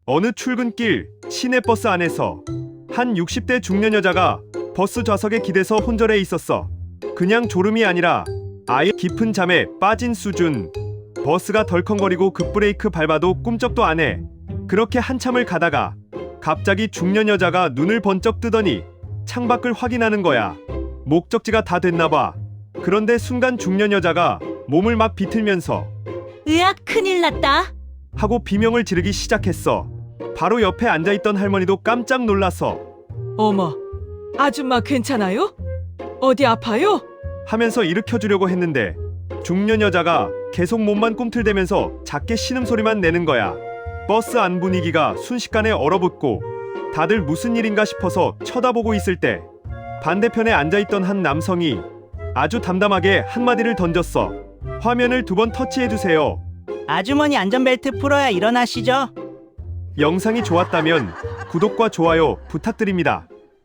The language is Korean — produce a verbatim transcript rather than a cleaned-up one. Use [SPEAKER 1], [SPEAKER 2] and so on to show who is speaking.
[SPEAKER 1] 어느 출근길 시내버스 안에서 한 육십 대 중년 여자가 버스 좌석에 기대서 혼절해 있었어. 그냥 졸음이 아니라 아예 깊은 잠에 빠진 수준. 버스가 덜컹거리고 급브레이크 밟아도 꿈쩍도 안 해. 그렇게 한참을 가다가 갑자기 중년 여자가 눈을 번쩍 뜨더니 창밖을 확인하는 거야. 목적지가 다 됐나 봐. 그런데 순간 중년 여자가 몸을 막 비틀면서
[SPEAKER 2] 으악, 큰일 났다.
[SPEAKER 1] 하고 비명을 지르기 시작했어. 바로 옆에 앉아있던 할머니도 깜짝 놀라서
[SPEAKER 3] 어머, 아줌마 괜찮아요? 어디 아파요?
[SPEAKER 1] 하면서 일으켜주려고 했는데 중년 여자가 계속 몸만 꿈틀대면서 작게 신음소리만 내는 거야. 버스 안 분위기가 순식간에 얼어붙고 다들 무슨 일인가 싶어서 쳐다보고 있을 때 반대편에 앉아있던 한 남성이 아주 담담하게 한마디를 던졌어. 화면을 두 번 터치해주세요.
[SPEAKER 4] 아주머니 안전벨트 풀어야 일어나시죠.
[SPEAKER 1] 영상이 좋았다면 구독과 좋아요 부탁드립니다.